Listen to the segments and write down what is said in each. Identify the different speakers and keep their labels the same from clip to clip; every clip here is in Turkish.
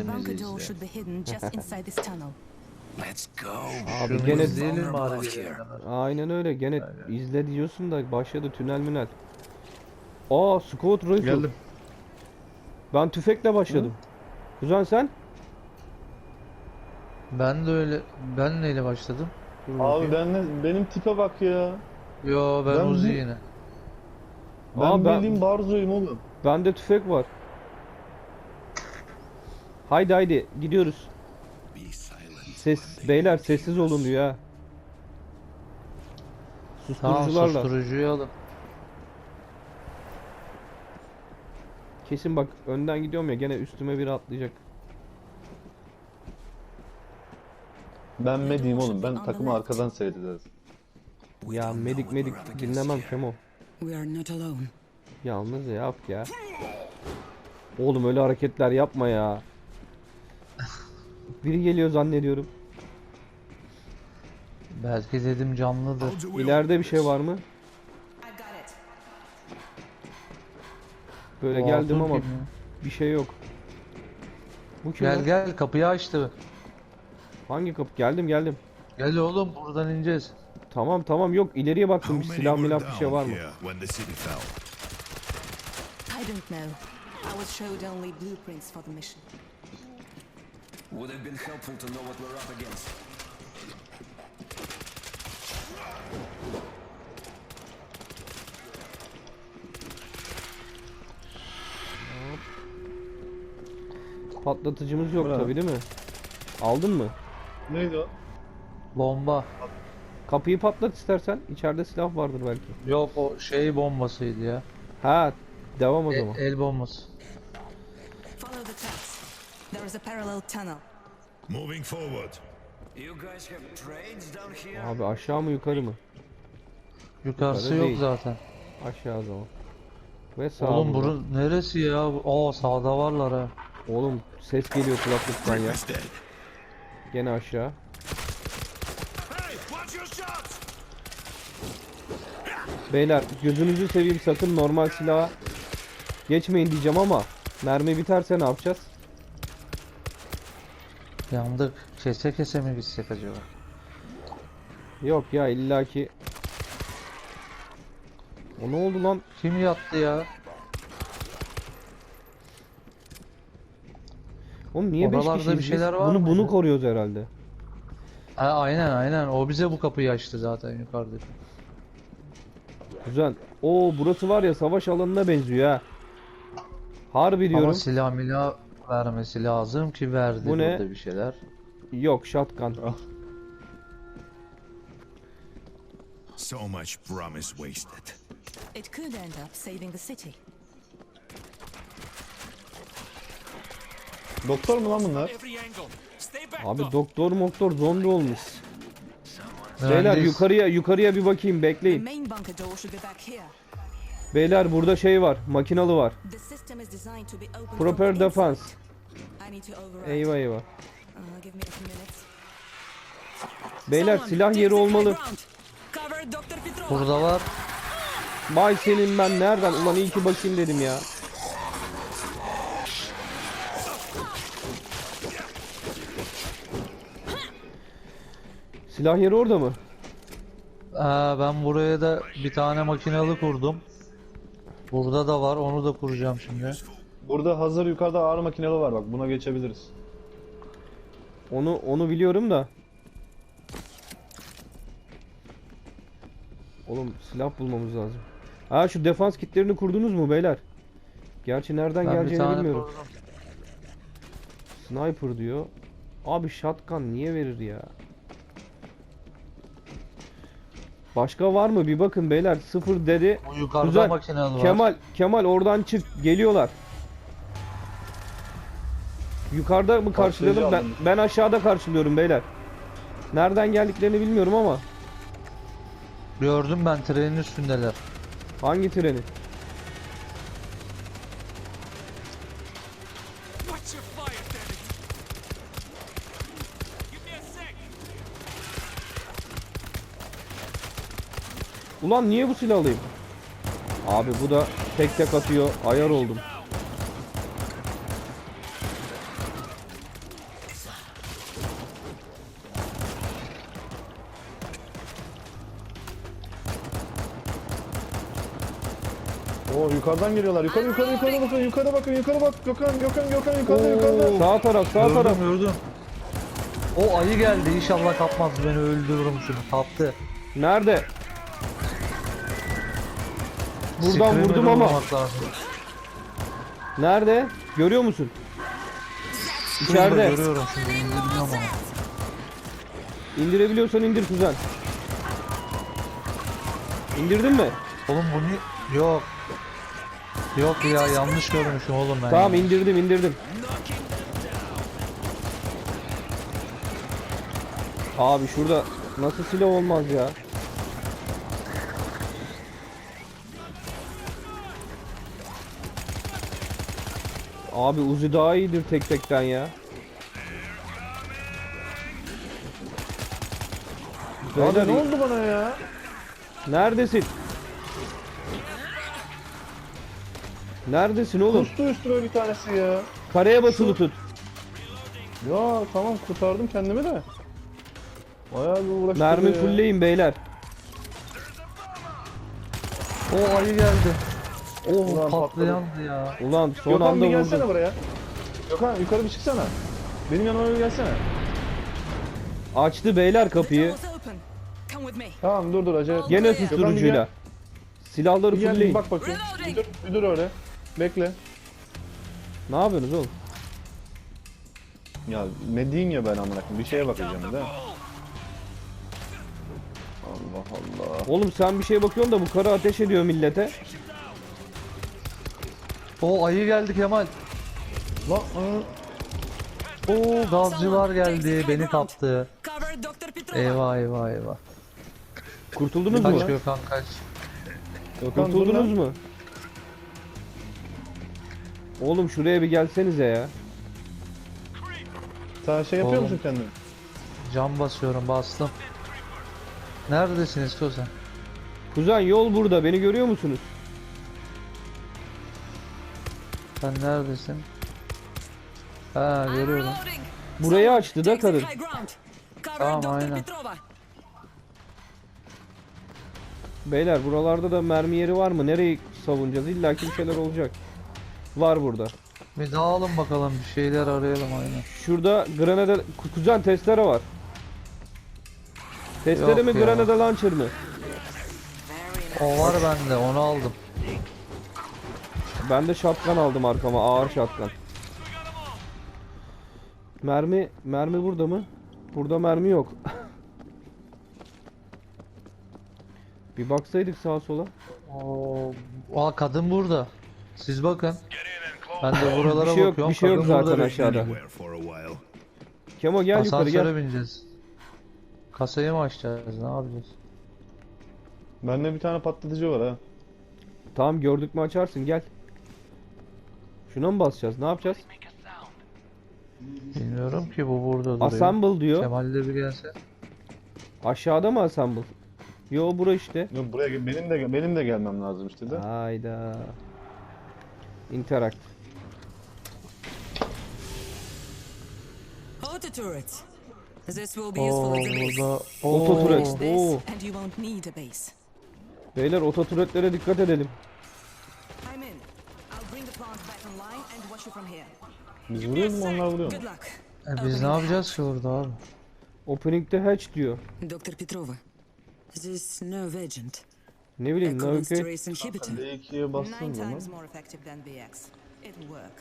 Speaker 1: bunker door
Speaker 2: ya.
Speaker 1: should be hidden just inside this tunnel.
Speaker 3: Let's go.
Speaker 2: Abi
Speaker 3: We're
Speaker 2: gene
Speaker 3: vulnerable
Speaker 2: bari
Speaker 3: out
Speaker 2: gelene
Speaker 3: here.
Speaker 2: kadar.
Speaker 4: aynen öyle. Gene
Speaker 2: Aynen.
Speaker 4: izle diyorsun da başladı tünel münel. Aa, Scout Rifle.
Speaker 2: Geldim.
Speaker 4: Ben tüfekle başladım. Kuzen sen?
Speaker 2: Ben de öyle. Ben neyle başladım?
Speaker 4: Dur
Speaker 5: Abi
Speaker 4: bakayım.
Speaker 5: benim tipe bak ya.
Speaker 2: Yo ben
Speaker 5: Ben
Speaker 2: Uzi
Speaker 5: bu-
Speaker 2: yine.
Speaker 5: Ben bildiğin Barzo'yum oğlum.
Speaker 4: Bende tüfek var. Haydi haydi gidiyoruz.
Speaker 3: Be silent.
Speaker 4: Beyler sessiz olun diyor ha.
Speaker 2: Tamam
Speaker 4: Susturucularla.
Speaker 2: susturucuyu alın.
Speaker 4: Kesin bak önden gidiyorum ya, gene üstüme biri atlayacak.
Speaker 5: Ben mediyim oğlum. Ben takımı arkadan seyrederiz.
Speaker 4: Ya medik dinlemem Kemo.
Speaker 1: We are not alone.
Speaker 4: Yalnız yap ya. Oğlum öyle hareketler yapma ya. Biri geliyor zannediyorum.
Speaker 2: Belki dedim canlıdır.
Speaker 4: İleride bir şey var mı? Böyle
Speaker 2: O
Speaker 4: geldim
Speaker 2: Arthur
Speaker 4: ama
Speaker 2: kim ya?
Speaker 4: bir şey yok. Bu kim
Speaker 2: Gel
Speaker 4: lan?
Speaker 2: gel kapıyı açtı.
Speaker 4: Hangi kapı? Geldim.
Speaker 2: Gel oğlum buradan ineceğiz.
Speaker 4: Tamam yok, ileriye baktım, bir
Speaker 6: How
Speaker 4: silah
Speaker 6: many were
Speaker 4: milah bir şey var
Speaker 6: down
Speaker 4: mı?
Speaker 6: here when the city fell?
Speaker 1: I don't know. I was showed only blueprints for the mission.
Speaker 3: Would have been helpful to know what we're up against.
Speaker 4: Patlatıcımız yok
Speaker 5: Bravo.
Speaker 4: tabii değil mi? Aldın mı?
Speaker 5: Neydi o?
Speaker 2: Bomba.
Speaker 4: Kapıyı patlat istersen. İçeride silah vardır belki.
Speaker 2: Yok o şey bombasıydı ya.
Speaker 4: Ha, devam o zaman.
Speaker 2: El bombası.
Speaker 1: Follow the tracks. There is a parallel tunnel.
Speaker 6: Moving forward.
Speaker 3: You guys have trades down here?
Speaker 4: Abi aşağı mı yukarı mı?
Speaker 2: Yukarısı
Speaker 4: Yukarı
Speaker 2: yok
Speaker 4: değil.
Speaker 2: zaten.
Speaker 4: Aşağı o zaman. Ve sağ
Speaker 2: Oğlum
Speaker 4: burada.
Speaker 2: burası neresi ya? Aa sağda varlar ha.
Speaker 4: Oğlum ses geliyor kulaklıktan ya.
Speaker 6: Breakfast dead.
Speaker 4: Gene aşağı.
Speaker 6: Hey, watch your shots!
Speaker 4: Beyler gözünüzü seveyim, sakın normal silaha geçmeyin diyeceğim ama mermi biterse ne yapacağız?
Speaker 2: Yandık. Kese kese mi gitsek acaba?
Speaker 4: Yok ya, illaki. O ne oldu lan?
Speaker 2: Kim yattı ya?
Speaker 4: Oğlum niye 5
Speaker 2: Oralarda
Speaker 4: kişiyiz
Speaker 2: bir şeyler
Speaker 4: biz?
Speaker 2: var
Speaker 4: Bunu
Speaker 2: mıydı?
Speaker 4: koruyoruz herhalde.
Speaker 2: Ha, aynen. O bize bu kapıyı açtı zaten yukarıda.
Speaker 4: Güzel. Oo, burası var ya savaş alanına benziyor ha. Harbi diyorum.
Speaker 2: Ama silah milah vermesi lazım ki verdi
Speaker 4: Bu ne?
Speaker 2: burada bir şeyler.
Speaker 4: Yok, shotgun.
Speaker 6: So much promise wasted.
Speaker 1: It could end up saving the city.
Speaker 5: Doktor mu lan bunlar?
Speaker 4: Abi doktor zombi olmuş. Beyler
Speaker 2: Mühendis.
Speaker 4: yukarıya bir bakayım,
Speaker 1: The
Speaker 4: bekleyin.
Speaker 1: main bunker door should be back here.
Speaker 4: Beyler burada şey var, makinalı var.
Speaker 1: The system is designed to be opened from
Speaker 4: Proper
Speaker 1: the
Speaker 4: defense.
Speaker 1: inside. I need to override.
Speaker 4: Eyvah.
Speaker 1: Give me a few minutes.
Speaker 4: Beyler
Speaker 1: Someone
Speaker 4: silah
Speaker 1: take
Speaker 4: yeri
Speaker 1: the high
Speaker 4: olmalı.
Speaker 1: ground. Cover Dr. Petrova.
Speaker 2: Burada var.
Speaker 4: Vay senin, ben nereden? Ulan iyi ki bakayım dedim ya. Silah yeri orada mı?
Speaker 2: Ben buraya da bir tane makinalı kurdum. Burada da var. Onu da kuracağım şimdi.
Speaker 5: Burada hazır yukarıda ağır makineli var bak. Buna geçebiliriz.
Speaker 4: Onu biliyorum da. Oğlum silah bulmamız lazım. Ha, şu defans kitlerini kurdunuz mu beyler? Gerçi nereden
Speaker 2: Ben bir
Speaker 4: geleceğini
Speaker 2: tane
Speaker 4: bilmiyorum.
Speaker 2: kurdum.
Speaker 4: Sniper diyor. Abi shotgun niye verir ya? Başka var mı? Bir bakın beyler. Sıfır dedi.
Speaker 2: Bu yukarıda
Speaker 4: Güzel.
Speaker 2: makinalı var.
Speaker 4: Kemal oradan çık. Geliyorlar. Yukarıda mı karşılayalım? Ben aşağıda karşılıyorum beyler. Nereden geldiklerini bilmiyorum ama.
Speaker 2: Gördüm ben trenin üstündeler.
Speaker 4: Hangi treni?
Speaker 7: What's your fire, damn it? Give me a sec.
Speaker 4: Ulan niye bu silahı alayım? Abi bu da tek atıyor. Ayar oldum.
Speaker 5: Oo yukarıdan geliyorlar. Yukarı bakın. Yukarı bakın. Yukarı bak. Gökhan yukarıda.
Speaker 4: Sağ taraf, sağ taraf.
Speaker 2: Gördüm. O ayı geldi. İnşallah kapmaz, beni öldürürüm şunu. Kaptı.
Speaker 4: Nerede? Buradan
Speaker 2: Screamer'ı
Speaker 4: vurdum ama.
Speaker 2: vurmak lazım.
Speaker 4: Nerede? Görüyor musun?
Speaker 2: Şurada
Speaker 4: İçeride.
Speaker 2: görüyorum şimdi. Bilmiyorum ama.
Speaker 4: İndirebiliyorsan indir kuzen. İndirdin mi?
Speaker 2: Oğlum bu ne? Yok. Yok ya, yanlış görmüşüm oğlum ben.
Speaker 4: Tamam
Speaker 2: ya.
Speaker 4: indirdim. Abi şurada nasıl silah olmaz ya? Abi Uzi daha iyidir tek tekten ya.
Speaker 5: Abi
Speaker 4: Beyler,
Speaker 5: ne oldu bana ya?
Speaker 4: neredesin? Neredesin oğlum?
Speaker 5: Kustu üstüme bir tanesi ya.
Speaker 4: Kareye basılı tut.
Speaker 5: Ya tamam kurtardım kendimi de. Bayağı bir uğraştım
Speaker 4: Mermi
Speaker 5: ya.
Speaker 4: fullleyin beyler.
Speaker 2: O ayı geldi.
Speaker 5: Ulan
Speaker 2: Oh, patlayandı ya.
Speaker 4: Ulan son
Speaker 5: Gökhan
Speaker 4: anda
Speaker 5: bir gelsene
Speaker 4: vurdum.
Speaker 5: buraya. Gökhan yukarı bir çıksana. Benim yanıma bir gelsene.
Speaker 4: Açtı beyler
Speaker 1: The door
Speaker 4: kapıyı.
Speaker 1: is open. Come with me.
Speaker 5: Tamam dur acele etme.
Speaker 4: Gene
Speaker 5: Gökhan bir
Speaker 4: susturucuyla.
Speaker 5: gel.
Speaker 4: Silahları
Speaker 5: Bir gel bir
Speaker 4: fullleyin.
Speaker 5: bak bakayım.
Speaker 1: Reloading.
Speaker 5: Bir dur öyle. Bekle.
Speaker 4: Ne yapıyorsunuz oğlum?
Speaker 5: Ya ne diyeyim ya ben amına koyayım. Bir şeye bakacağım da. Allah Allah.
Speaker 4: Oğlum sen bir şeye bakıyorsun da bu karı ateş ediyor millete.
Speaker 2: O ayı geldi Kemal.
Speaker 5: Lan
Speaker 2: O gazcılar geldi, beni kaptı.
Speaker 1: Cover Dr. Petrova.
Speaker 2: Eyvah.
Speaker 4: Kurtuldunuz
Speaker 2: Kaç
Speaker 4: mu?
Speaker 2: Gökhan kaç.
Speaker 5: Gökhan dur
Speaker 4: Kurtuldunuz
Speaker 5: lan.
Speaker 4: mu? Oğlum şuraya bir gelsenize ya.
Speaker 5: Sen şey yapıyor
Speaker 2: Oğlum.
Speaker 5: musun kendin?
Speaker 2: Cam basıyorum, bastım. Neredesiniz Koza?
Speaker 4: Kuzen yol burada. Beni görüyor musunuz?
Speaker 2: Sen neredesin? Ha,
Speaker 1: I'm
Speaker 2: görüyorum.
Speaker 1: reloading.
Speaker 4: Burayı açtı da
Speaker 1: Take the
Speaker 4: kadın.
Speaker 1: high ground. Cover
Speaker 2: Tamam,
Speaker 1: Dr.
Speaker 2: aynen.
Speaker 1: Petrova.
Speaker 4: Beyler buralarda da mermi yeri var mı? Nereyi savunacağız? İlla ki bir şeyler olacak. Var burada.
Speaker 2: Bir dağılın bakalım, bir şeyler arayalım aynen.
Speaker 4: Şurada granada... Kuzen testere var. Testere
Speaker 2: Yok
Speaker 4: mi
Speaker 2: ya.
Speaker 4: granada launcher mı?
Speaker 2: O var bende, onu aldım.
Speaker 4: Ben de shotgun aldım arkama. Ağır shotgun. Mermi burada mı? Burada mermi yok. Bir baksaydık sağa sola.
Speaker 2: Aa, kadın burada. Siz bakın. Ben de buralara
Speaker 4: Bir şey yok,
Speaker 2: bakıyorum.
Speaker 4: bir şey yok
Speaker 2: Kadın
Speaker 4: zaten
Speaker 2: burada
Speaker 4: aşağıda.
Speaker 6: Anywhere for a while.
Speaker 4: Kemo gel yukarı
Speaker 2: Asansöre
Speaker 4: gel.
Speaker 2: bineceğiz. Kasayı mı açacağız? Ne yapacağız?
Speaker 5: Bende bir tane patlatıcı var ha.
Speaker 4: Tamam gördük mü açarsın gel. Şuna mı basacağız? Ne yapacağız?
Speaker 2: Bilmiyorum ki, bu burada duruyor.
Speaker 4: Assemble diyor.
Speaker 2: Kemal de bir gelse.
Speaker 4: Aşağıda mı assemble? Yo bura işte.
Speaker 5: Yok buraya benim de gelmem lazım işte de.
Speaker 4: Hayda. Interact.
Speaker 1: Auto turret. This will be useful as a base.
Speaker 2: Burada.
Speaker 4: Oto turret.
Speaker 1: Use this
Speaker 4: Oo.
Speaker 1: and you won't need a base.
Speaker 4: Beyler ototuretlere dikkat edelim.
Speaker 1: I'm in. I'll bring the plant back online and watch you from here.
Speaker 5: Biz vuruyoruz mu onlar vuruyor mu?
Speaker 1: Good luck.
Speaker 2: Biz ne yapacağız ki burada abi?
Speaker 4: Opening'de hatch diyor.
Speaker 1: Dr. Petrova. This nerve agent.
Speaker 4: Ne bileyim ne okey.
Speaker 1: Echolustrase inhibitor.
Speaker 5: D2'ye bastığım
Speaker 1: 9
Speaker 5: zaman.
Speaker 1: times more effective than BX. It'll work.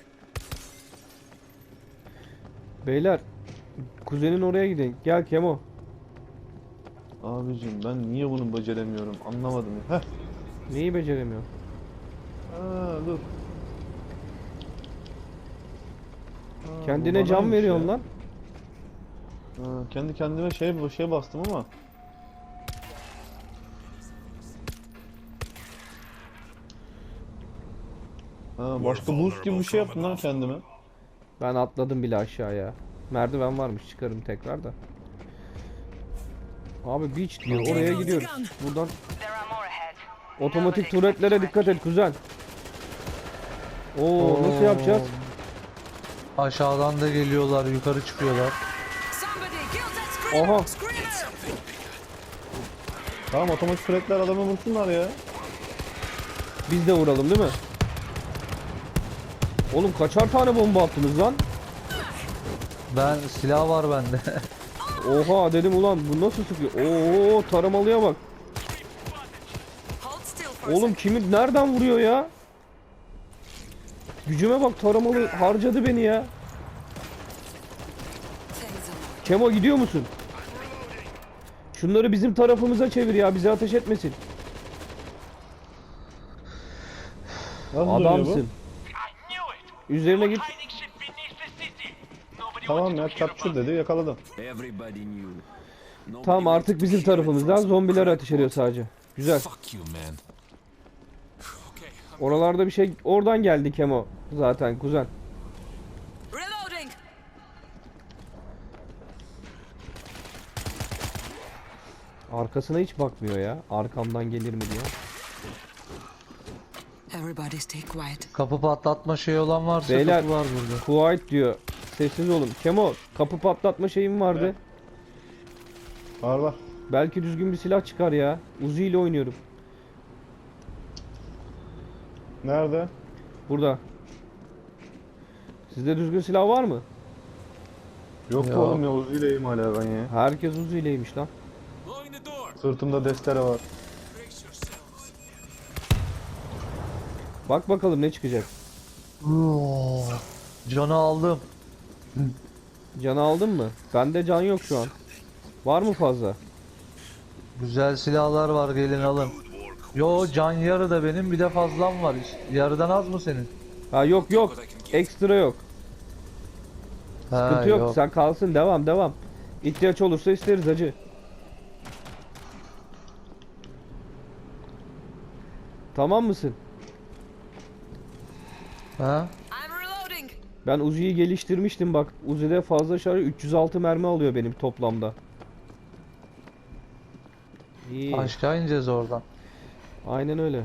Speaker 4: Beyler kuzenin oraya gidin. Gel Kemo.
Speaker 5: Abicim ben niye bunu beceremiyorum anlamadım ya. Heh.
Speaker 4: Neyi beceremiyor?
Speaker 5: Dur.
Speaker 4: Kendine
Speaker 5: bu
Speaker 4: can
Speaker 5: banaymış
Speaker 4: veriyorsun
Speaker 5: ya.
Speaker 4: lan.
Speaker 5: Kendi kendime şey bastım ama. Başka boost gibi bir şey yaptım lan kendime.
Speaker 4: Ben atladım bile aşağıya. Merdiven varmış çıkarım tekrar da. Abi beach diyor oraya gidiyoruz. Buradan otomatik turretlere dikkat et kuzen. Oo nasıl yapacağız?
Speaker 2: Aşağıdan da geliyorlar, yukarı çıkıyorlar.
Speaker 1: Somebody kill that screamer!
Speaker 4: Aha.
Speaker 1: Screamer!
Speaker 5: Tamam otomatik sürekler adamı vursunlar ya.
Speaker 4: Biz de vuralım değil mi? Oğlum kaçar tane bomba attınız lan?
Speaker 2: Ben silah var bende.
Speaker 4: Oha dedim ulan bu nasıl sıkıyor? Oo taramalıya bak.
Speaker 1: Hold still for a
Speaker 4: Oğlum kimi nereden vuruyor ya? Gücüme bak taramalı harcadı beni ya.
Speaker 1: second.
Speaker 4: Kemo gidiyor musun? Şunları bizim tarafımıza çevir ya bize ateş etmesin.
Speaker 5: Nasıl dönüyor bu?
Speaker 4: Adamsın. Üzerine git.
Speaker 5: Tamam ya, capture dedi, yakaladım.
Speaker 3: Everybody knew. Nobody
Speaker 4: Tamam
Speaker 3: wants
Speaker 4: artık
Speaker 3: to
Speaker 4: bizim
Speaker 3: see red
Speaker 4: tarafımızdan
Speaker 3: from
Speaker 4: zombiler
Speaker 3: some
Speaker 4: ateş ediyor sadece. Güzel.
Speaker 7: Fuck you, man. Okay,
Speaker 4: Oralarda bir şey oradan geldi Kemo zaten kuzen.
Speaker 1: Reloading.
Speaker 4: Arkasına hiç bakmıyor ya. Arkamdan gelir mi diye.
Speaker 1: Everybody stay quiet.
Speaker 2: Kapı patlatma şeyi olan varsa
Speaker 4: Beyler
Speaker 2: kapı var burada.
Speaker 4: quiet diyor. Sessiz olun. Kemo kapı patlatma şeyim vardı.
Speaker 5: Var var.
Speaker 4: Belki düzgün bir silah çıkar ya. Uzi ile oynuyorum.
Speaker 5: Nerede?
Speaker 4: Burada. Sizde düzgün silah var mı?
Speaker 5: Yok
Speaker 2: Ya.
Speaker 5: oğlum ya, Uzi'yleyim hala ben ya.
Speaker 4: Herkes Uzi ileymiş lan.
Speaker 7: blowing the door.
Speaker 5: Sırtımda destere var.
Speaker 7: Brace yourselves.
Speaker 4: Bak bakalım ne çıkacak.
Speaker 2: Oo, canı aldım.
Speaker 4: Canı aldın mı? Bende can yok şu an. Var mı fazla?
Speaker 2: Güzel silahlar var, gelin alın. Yo, can yarı da benim, bir de fazlam var. Yarıdan az mı senin?
Speaker 4: Ha yok yok. Ekstra yok.
Speaker 2: Ha,
Speaker 4: Sıkıntı yok. Sen kalsın. Devam devam. İhtiyaç olursa isteriz hacı. Tamam mısın?
Speaker 2: Ha?
Speaker 1: I'm reloading.
Speaker 4: Ben Uzi'yi geliştirmiştim bak. Uzi'de fazla şarjı 306 mermi alıyor benim toplamda. İyi.
Speaker 2: Aşağı ineceğiz oradan.
Speaker 4: Aynen öyle.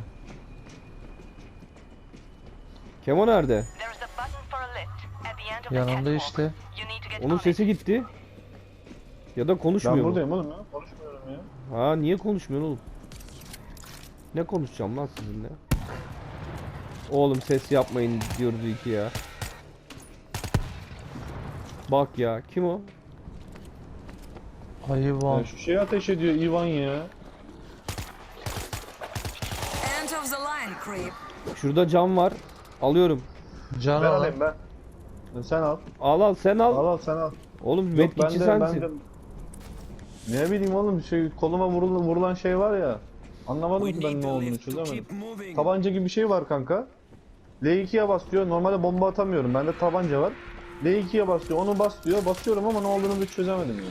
Speaker 4: Kemo nerede?
Speaker 8: There is a button for a lift at the end of the
Speaker 2: Yanında
Speaker 8: catwalk.
Speaker 2: işte.
Speaker 8: You need to get
Speaker 4: Onun
Speaker 8: on it.
Speaker 4: sesi gitti. Ya da konuşmuyor
Speaker 5: Ben
Speaker 4: mu?
Speaker 5: buradayım oğlum ya. Konuşmuyorum ya.
Speaker 4: Ha niye konuşmuyorsun oğlum? Ne konuşacağım lan sizinle? Oğlum ses yapmayın diyoruz iki ya. Bak ya kim o?
Speaker 2: Hayvan.
Speaker 5: Ya şu şeyi ateş ediyor Ivan ya.
Speaker 1: End of the line, creep.
Speaker 4: Şurada cam var. Alıyorum.
Speaker 2: Can
Speaker 5: Ben
Speaker 2: al.
Speaker 5: alayım ben. Sen al.
Speaker 4: Al sen al.
Speaker 5: Al al sen al.
Speaker 4: Oğlum
Speaker 5: Yok
Speaker 4: metkitçi sensin.
Speaker 5: Ne bileyim oğlum, şey koluma vurulan şey var ya. Anlamadım
Speaker 3: We
Speaker 5: ki ben
Speaker 3: need
Speaker 5: ne
Speaker 3: the
Speaker 5: olduğunu
Speaker 3: lift to
Speaker 5: çözemedim.
Speaker 3: keep moving.
Speaker 5: Tabanca gibi bir şey var kanka. L2'ye bas diyor. Normalde bomba atamıyorum. Bende tabanca var. L2'ye bas diyor. Onu bas diyor. Basıyorum ama ne olduğunu bir çözemedim yani.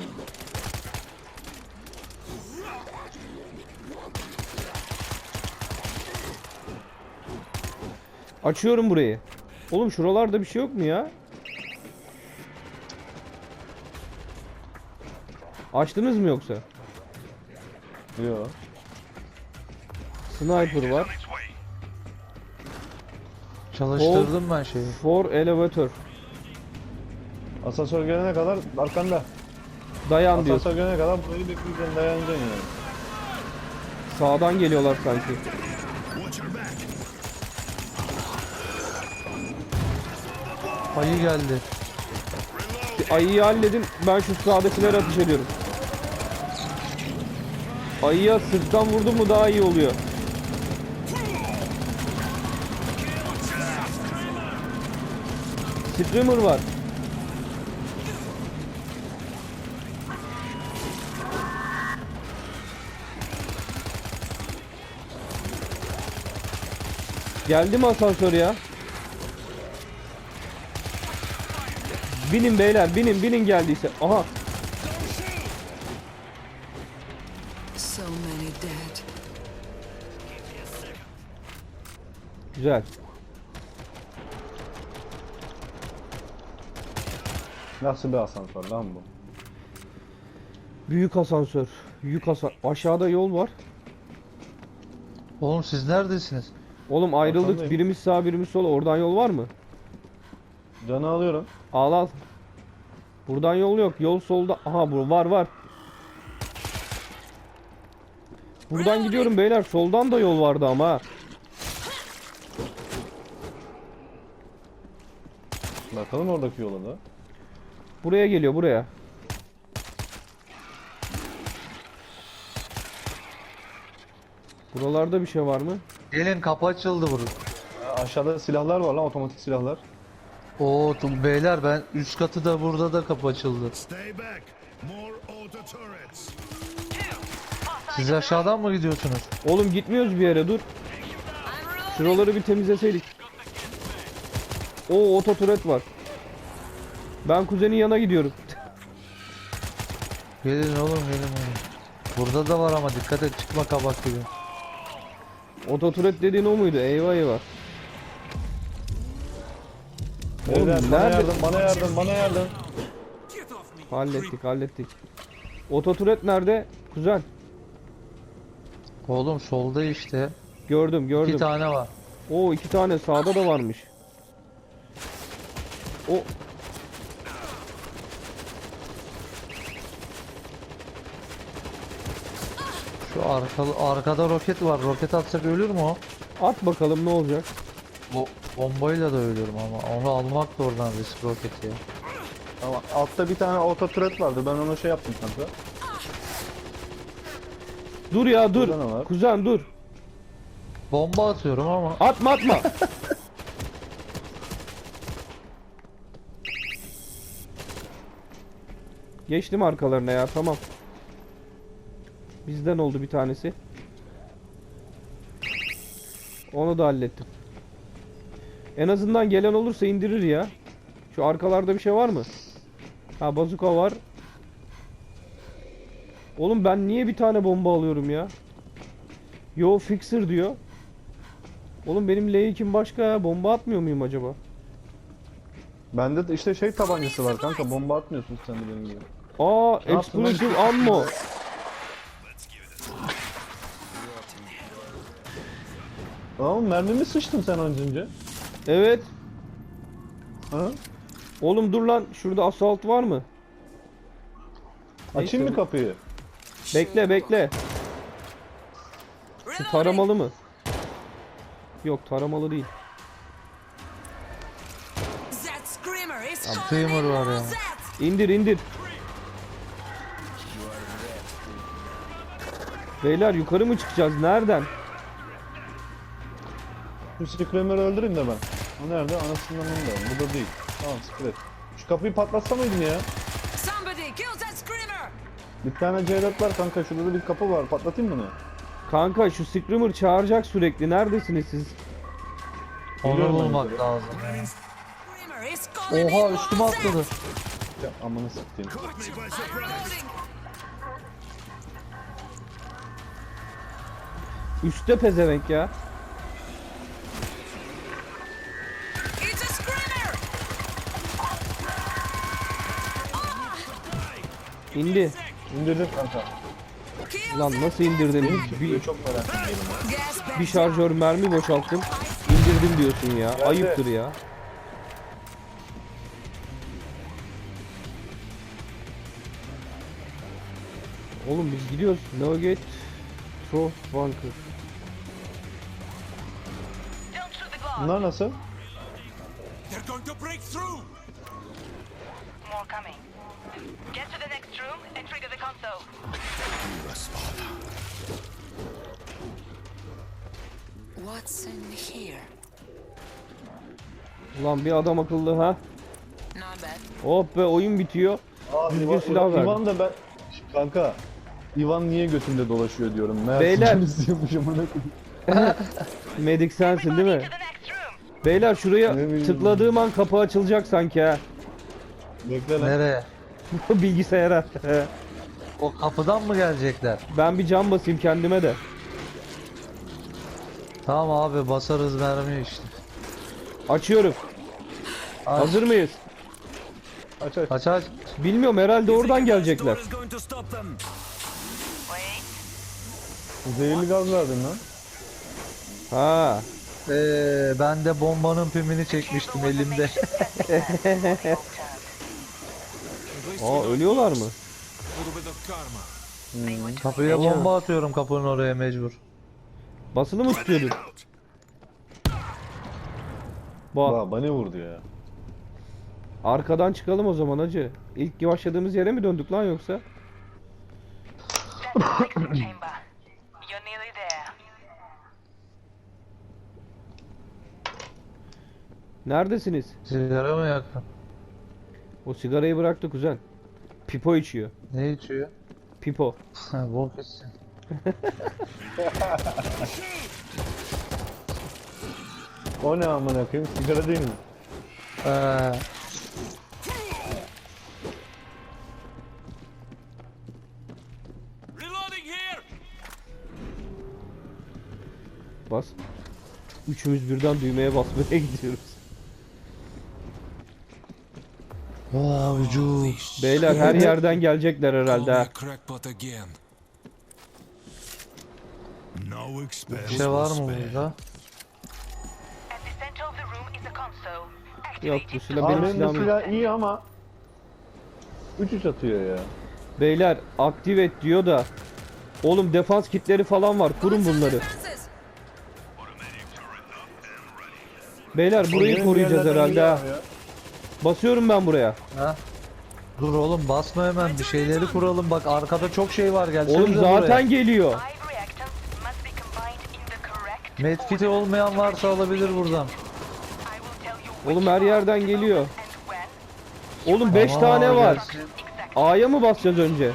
Speaker 4: Açıyorum burayı. Oğlum şuralarda bir şey yok mu ya? Açtınız mı yoksa?
Speaker 5: Yok.
Speaker 4: Sniper var.
Speaker 2: Çalıştırdım ben şeyi.
Speaker 4: For elevator.
Speaker 5: Asansör gelene kadar arkanda.
Speaker 4: Dayan diyor.
Speaker 5: Asansör gelene kadar burayı bekleyeceksin, dayanacaksın yani.
Speaker 4: Sağdan geliyorlar sanki.
Speaker 6: Watch your back.
Speaker 2: Ayı geldi.
Speaker 4: Ayıyı halledin. Ben şu sağdakileri ateş ediyorum. Ayıya sırttan vurdum mu daha iyi oluyor. Screamer var. Geldi mi asansör ya? Binin beyler, binin geldiyse. Aha.
Speaker 1: So many dead.
Speaker 4: Güzel.
Speaker 5: Nasıl bir asansör lan bu?
Speaker 4: Büyük asansör. Yük aşağıda yol var.
Speaker 2: Oğlum siz neredesiniz?
Speaker 4: Oğlum ayrıldık.
Speaker 5: Arkandayım.
Speaker 4: Birimiz sağ, birimiz sol. Oradan yol var mı?
Speaker 5: Canı alıyorum.
Speaker 4: Al. Buradan yol yok. Yol solda. Aha bu var. Buradan gidiyorum beyler. Soldan da yol vardı ama. Ha.
Speaker 5: Bakalım oradaki yola da.
Speaker 4: Buraya geliyor, buraya. Buralarda bir şey var mı?
Speaker 2: Gelin kapı açıldı burada.
Speaker 5: Aşağıda silahlar var lan, otomatik silahlar.
Speaker 2: Oo beyler ben üst katı da burada da kapı açıldı.
Speaker 6: Stay back. More auto turrets.
Speaker 2: Siz aşağıdan mı gidiyorsunuz?
Speaker 4: Oğlum gitmiyoruz bir yere, dur. Şuraları bir temizleseydik. Oo, ototuret var. Ben kuzenin yanına gidiyorum.
Speaker 2: Gelin oğlum gelin oğlum. Burada da var ama dikkat et çıkma kabak gibi.
Speaker 4: Ototuret dediğin o muydu? Eyvah eyvah. Oğlum
Speaker 5: Beyler, bana
Speaker 4: nerede?
Speaker 5: yardım, bana yardım, bana yardım.
Speaker 7: Get off me!
Speaker 4: Hallettik, hallettik. Ototuret nerede? Kuzen.
Speaker 2: Oğlum solda işte.
Speaker 4: Gördüm, gördüm.
Speaker 2: 2 tane var.
Speaker 4: Oo, 2 tane sağda da varmış. O
Speaker 2: Şu arkada roket var. Roket atsak ölür mü o?
Speaker 4: at bakalım ne olacak.
Speaker 2: Bombayla da ölürüm ama onu almak da oradan risk roketi ya.
Speaker 5: Tamam, altta bir tane auto turret vardı, ben ona şey yaptım kanka.
Speaker 4: Dur ya, dur.
Speaker 5: Burada ne var?
Speaker 4: Kuzen dur.
Speaker 2: Bomba atıyorum ama
Speaker 4: Atma, atma. Geçtim arkalarına ya, tamam. Bizden oldu bir tanesi. Onu da hallettim. En azından gelen olursa indirir ya. Şu arkalarda bir şey var mı? Ha, bazuka var. Oğlum ben niye bir tane bomba alıyorum ya? Yo, fixer diyor. Oğlum benim L2'm başka ya. Bomba atmıyor muyum acaba?
Speaker 5: Bende de işte şey tabancası var kanka, bomba atmıyorsun sen de benim gibi.
Speaker 4: Aa,
Speaker 5: Ne yaptın lan?
Speaker 4: explosive ammo.
Speaker 5: Tamam, mermimi sıçtın sen önce.
Speaker 4: Evet.
Speaker 5: Ha?
Speaker 4: Oğlum dur lan. Şurada assault var mı?
Speaker 5: Açayım mı kapıyı?
Speaker 4: Bekle, bekle. Şu taramalı mı? Yok, taramalı değil.
Speaker 1: That screamer is
Speaker 2: Screamer var ya.
Speaker 4: İndir, indir. Beyler yukarı mı çıkacağız? Nereden?
Speaker 5: Şu Screamer'ı öldüreyim de ben. O nerede? Anasından onu da. Bu da değil. Tamam, siktir et. Şu kapıyı patlatsa mıydım ya?
Speaker 1: Somebody kill that screamer!
Speaker 5: Bir tane C4 var kanka, şurada da bir kapı var. Patlatayım bunu.
Speaker 4: Kanka şu screamer çağıracak sürekli. Neredesiniz siz?
Speaker 2: onu
Speaker 5: Biliyorum ben
Speaker 2: bulmak
Speaker 5: de.
Speaker 2: lazım.
Speaker 1: Screamer is calling
Speaker 2: Oha
Speaker 1: me
Speaker 2: üstüme
Speaker 1: more
Speaker 2: atladı.
Speaker 5: Ya amanı sikeyim.
Speaker 6: Caught me by
Speaker 1: I'm
Speaker 6: surprise.
Speaker 1: reloading!
Speaker 4: Üstte pezevenk ya.
Speaker 1: It's a screamer!
Speaker 4: İndi.
Speaker 5: İndirdim kanka.
Speaker 1: Kill
Speaker 4: Lan nasıl indirdim? Bir,
Speaker 5: Çok merak ediyorum.
Speaker 1: gas back
Speaker 4: bir şarjör mermi boşalttım. İndirdim diyorsun ya. Ayıptır ya. Oğlum biz gidiyoruz. Navigate Trough Bunker.
Speaker 8: Don't shoot the guard.
Speaker 5: Bunlar nasıl?
Speaker 7: They're going to break through!
Speaker 8: More coming. Get to the next room and trigger the console.
Speaker 1: What's in here?
Speaker 4: Ulan bir adam akıllı ha.
Speaker 1: Not bad.
Speaker 4: Hop be, oyun bitiyor.
Speaker 5: Aa,
Speaker 4: Düzgün silah verdi.
Speaker 5: İvan da ben... Kanka, İvan niye götümde dolaşıyor diyorum. Meğer
Speaker 4: Beyler.
Speaker 5: sizin izliyormuşum, amına koyayım.
Speaker 4: Medik sensin değil mi?
Speaker 8: To the next room.
Speaker 4: Beyler şuraya
Speaker 5: Ne bileyim.
Speaker 4: tıkladığım an kapı açılacak sanki ha.
Speaker 5: Bekle lan.
Speaker 2: Nereye?
Speaker 4: Bilgisayara.
Speaker 2: O kapıdan mı gelecekler?
Speaker 4: Ben bir cam basayım kendime de.
Speaker 2: Tamam abi basarız mermi işte.
Speaker 4: Açıyorum.
Speaker 2: Aç.
Speaker 4: Hazır mıyız?
Speaker 5: Aç aç.
Speaker 2: Aç aç.
Speaker 4: Bilmiyorum, herhalde oradan gelecekler.
Speaker 3: Is going to stop them.
Speaker 8: Wait.
Speaker 5: Zehirli gaz verdin lan.
Speaker 4: Ha.
Speaker 2: Ben de bombanın pimini çekmiştim elimde.
Speaker 4: Aa, ölüyorlar mı?
Speaker 7: A little bit of karma.
Speaker 2: Kapıya bomba atıyorum kapının oraya mecbur.
Speaker 4: Basılı mı tutuyordun? Bak.
Speaker 5: Bak bana vurdu ya.
Speaker 4: Arkadan çıkalım o zaman hacı. İlk başladığımız yere mi döndük lan yoksa?
Speaker 8: That's the mixing chamber. You're nearly there.
Speaker 4: Neredesiniz?
Speaker 2: Sigara mı yaktın?
Speaker 4: O sigarayı bıraktı kuzen. Pipo içiyor.
Speaker 2: Ne içiyor?
Speaker 4: Pipo.
Speaker 2: Ha, bok içsin.
Speaker 5: O ne amına koyayım? Sigara değil mi?
Speaker 7: Reloading here!
Speaker 4: Bas. Üçümüz birden düğmeye basmaya gidiyoruz.
Speaker 2: vücut.
Speaker 4: Beyler her yerden gelecekler
Speaker 7: Call
Speaker 4: herhalde
Speaker 7: me
Speaker 4: ha.
Speaker 7: a crackpot again.
Speaker 6: No
Speaker 2: Bir
Speaker 6: expense
Speaker 2: şey var
Speaker 6: was
Speaker 2: mı
Speaker 6: spared.
Speaker 2: burada?
Speaker 8: At the center of the room is a console.
Speaker 4: Yok
Speaker 8: Activate
Speaker 4: bu
Speaker 8: it.
Speaker 4: silah
Speaker 5: Abi
Speaker 4: benim
Speaker 5: benim
Speaker 4: silahım yok.
Speaker 5: silah iyi ama 3-3 atıyor ya.
Speaker 4: Beyler aktive et diyor da. Oğlum defans kitleri falan var. Kurun bunları. Beyler burayı
Speaker 5: Benim
Speaker 4: koruyacağız
Speaker 5: yerlerden
Speaker 4: herhalde ha.
Speaker 5: geliyor ya.
Speaker 4: Basıyorum ben buraya.
Speaker 2: Ha? Dur oğlum basma hemen bir şeyleri kuralım bak arkada çok şey var gelsenize
Speaker 4: Oğlum zaten geliyor.
Speaker 8: 5 reactants must be combined in the correct
Speaker 2: Medkit'i olmayan varsa alabilir buradan.
Speaker 8: I will tell you which
Speaker 4: Oğlum her yerden geliyor.
Speaker 8: and when.
Speaker 4: Oğlum 5
Speaker 2: Aa,
Speaker 4: tane var.
Speaker 2: gelsin.
Speaker 8: Exactly.
Speaker 4: A'ya mı basacağız önce?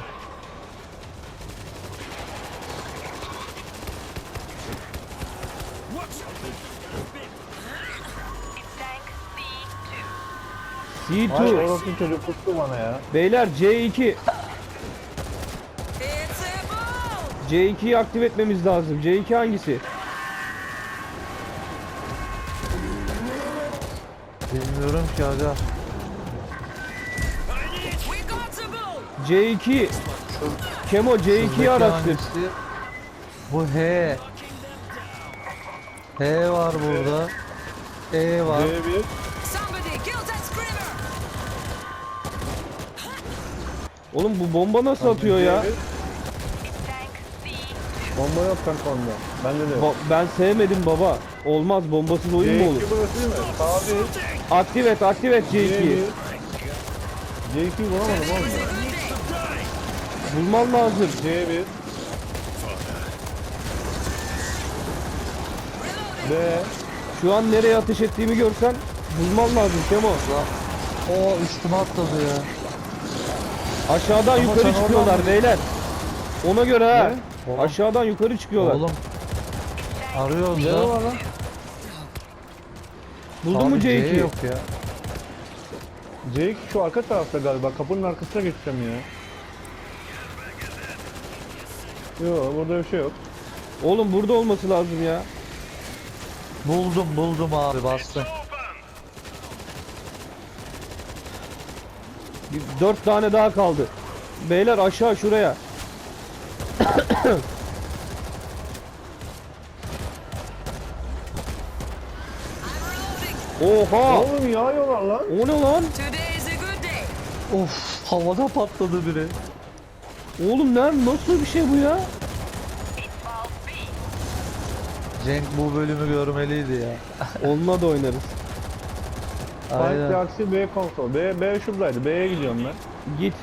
Speaker 8: It's tank C2.
Speaker 5: Ay
Speaker 4: C2.
Speaker 5: orası çocuk tuttu bana ya.
Speaker 4: Beyler C2.
Speaker 1: It's a ball!
Speaker 4: C2'yi aktive etmemiz lazım. C2 hangisi?
Speaker 2: Bilmiyorum ki aga.
Speaker 1: We got the ball!
Speaker 4: C2. Kemo C2'yi
Speaker 2: Şuradaki
Speaker 4: araştır.
Speaker 2: hangisi? Bu H. H var burada. E var.
Speaker 5: C1.
Speaker 1: Somebody kill that screamer!
Speaker 4: Oğlum bu bomba nasıl atıyor ya?
Speaker 5: C1.
Speaker 8: It's tank C2.
Speaker 5: Bomba yok kanka onda. Bende de yok.
Speaker 4: Ben sevmedim baba. Olmaz bombasız oyun mu
Speaker 5: C2
Speaker 4: olur?
Speaker 5: burası değil mi? Sağ bir.
Speaker 4: Aktive et C2'yi.
Speaker 5: C1. C2 bulamadım oğlum ben.
Speaker 4: Bulman lazım.
Speaker 5: C1. B.
Speaker 4: Şu an nereye ateş ettiğimi görsen bulman lazım Kemo.
Speaker 2: O üstüme atladı ya.
Speaker 4: Aşağıdan
Speaker 2: Ama
Speaker 4: yukarı
Speaker 2: sen
Speaker 4: çıkıyorlar
Speaker 2: oradan-
Speaker 4: beyler. Ona göre ha.
Speaker 2: Oğlum.
Speaker 4: Aşağıdan yukarı çıkıyorlar.
Speaker 2: Oğlum. Arıyoruz
Speaker 5: Ne
Speaker 2: da.
Speaker 5: var lan?
Speaker 4: Buldun mu
Speaker 2: Abi C
Speaker 4: C2'yi?
Speaker 2: yok ya.
Speaker 5: C2 şu arka tarafta galiba. Kapının arkasına geçeceğim ya. Yok burada bir şey yok.
Speaker 4: Oğlum burada olması lazım ya.
Speaker 2: Buldum abi bastım.
Speaker 4: 4 tane daha kaldı. Beyler aşağı şuraya. Oha!
Speaker 5: Oğlum yağıyorlar lan.
Speaker 4: O ne lan?
Speaker 1: Today is a good day!
Speaker 2: Of havada patladı biri.
Speaker 4: Oğlum nasıl bir şey bu ya?
Speaker 8: It's valve B.
Speaker 2: Cenk bu bölümü görmeliydi ya.
Speaker 4: Onunla da oynarız.
Speaker 5: Fight
Speaker 2: Aynen.
Speaker 5: Galaxy B konsol. B şuradaydı. B'ye gidiyorum ben.
Speaker 4: Git.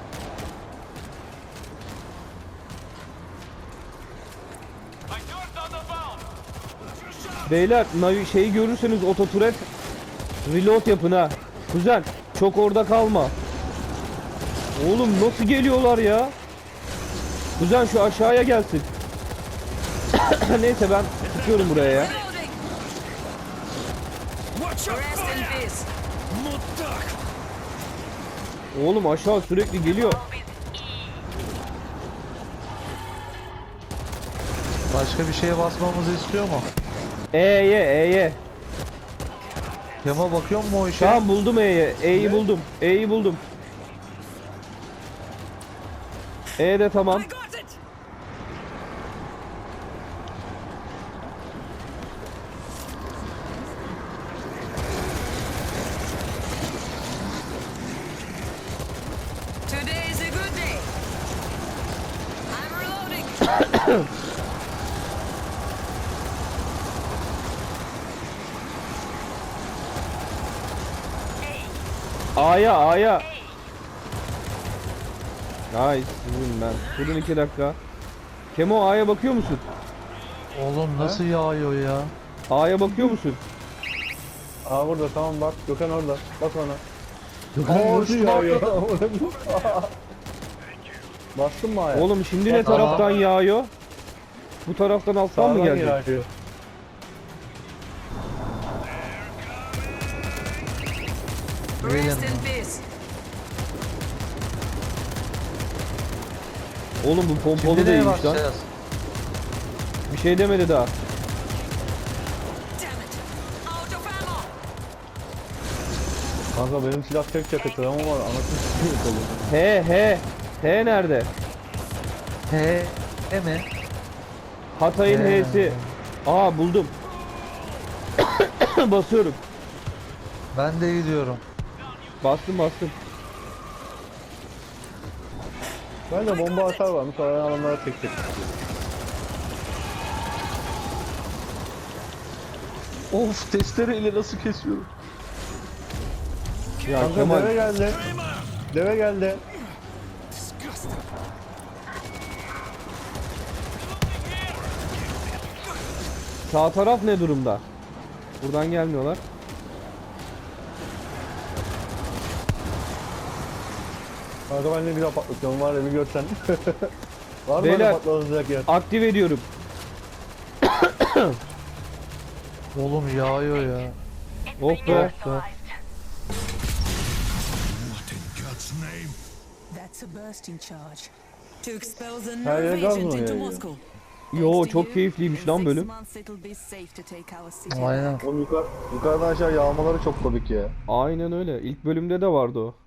Speaker 7: I turned on the valve!
Speaker 4: Beyler şeyi görürseniz ototuret reload yapın ha. Kuzen çok orada kalma. Oğlum nasıl geliyorlar ya? Kuzen şu aşağıya gelsin. Neyse ben tutuyorum buraya ya.
Speaker 1: Reloading!
Speaker 7: Watch out!
Speaker 1: Rest in peace!
Speaker 7: Mutak!
Speaker 4: Oğlum aşağı sürekli geliyor.
Speaker 8: Valve is E.
Speaker 2: Başka bir şeye basmamızı istiyor mu?
Speaker 4: E'ye.
Speaker 2: Kema bakıyor mu o işe?
Speaker 4: Tamam buldum E'ye. E'yi buldum. E'yi buldum. E de tamam.
Speaker 1: I got it! Today is a good day! I'm reloading!
Speaker 4: A'ya A'ya. Nice. Vurun ben. Durun 2 dakika. Kemo A'ya bakıyor musun?
Speaker 2: Oğlum nasıl yağıyor ya?
Speaker 4: A'ya bakıyor musun?
Speaker 5: Aa burada tamam bak. Gökhan orada. Bak ona.
Speaker 2: Gökhan
Speaker 5: Nasıl yağıyor? Bastın mı ayağa?
Speaker 4: Oğlum şimdi ne taraftan yağıyor? Bu taraftan alttan mı
Speaker 5: Sağdan
Speaker 4: gelecek?
Speaker 5: yağıyor.
Speaker 1: Rest in peace.
Speaker 4: Oğlum bu pompalı
Speaker 2: Şimdi neye
Speaker 4: değilmiş lan.
Speaker 2: bakacağız?
Speaker 4: Bir şey demedi daha.
Speaker 1: Damn it. Out of ammo.
Speaker 5: Kanka benim silah tek çakıtır ama var. Anasını s**eyim kolu.
Speaker 4: He nerede?
Speaker 2: He mi?
Speaker 4: Hatay'ın
Speaker 2: He.
Speaker 4: H'si. Aa buldum. Basıyorum.
Speaker 2: Ben de gidiyorum.
Speaker 4: Bastım.
Speaker 5: Ben de bomba atar varmış. Arayan adamlara tek tek. Of testereyle nasıl kesiyorum?
Speaker 4: Ya
Speaker 5: Kanka
Speaker 4: Kemal
Speaker 5: deve geldi. Deve geldi.
Speaker 4: sağ taraf ne durumda? Buradan gelmiyorlar.
Speaker 5: Kanka ben ne güzel patlatıyorum var ya bir görsen. Var mı
Speaker 4: Beyler.
Speaker 5: öyle patlatılacak yer?
Speaker 4: Aktif ediyorum.
Speaker 2: Oğlum yağıyor ya.
Speaker 4: Oh be.
Speaker 8: Neutralized.
Speaker 6: What in God's name?
Speaker 1: That's a bursting charge. To expel the
Speaker 5: Her yer
Speaker 1: nerve
Speaker 5: gaz
Speaker 1: agent
Speaker 5: mı
Speaker 1: into
Speaker 5: yayıyor?
Speaker 1: Moscow.
Speaker 4: Yo
Speaker 1: Thanks to
Speaker 4: çok
Speaker 1: you,
Speaker 4: keyifliymiş
Speaker 1: in
Speaker 4: lan
Speaker 1: 6
Speaker 4: bölüm.
Speaker 1: months it'll be safe to take our city
Speaker 2: Aynen.
Speaker 1: back.
Speaker 5: Oğlum yukarıdan aşağı yağmaları çok komik ya.
Speaker 4: Aynen öyle. İlk bölümde de vardı o.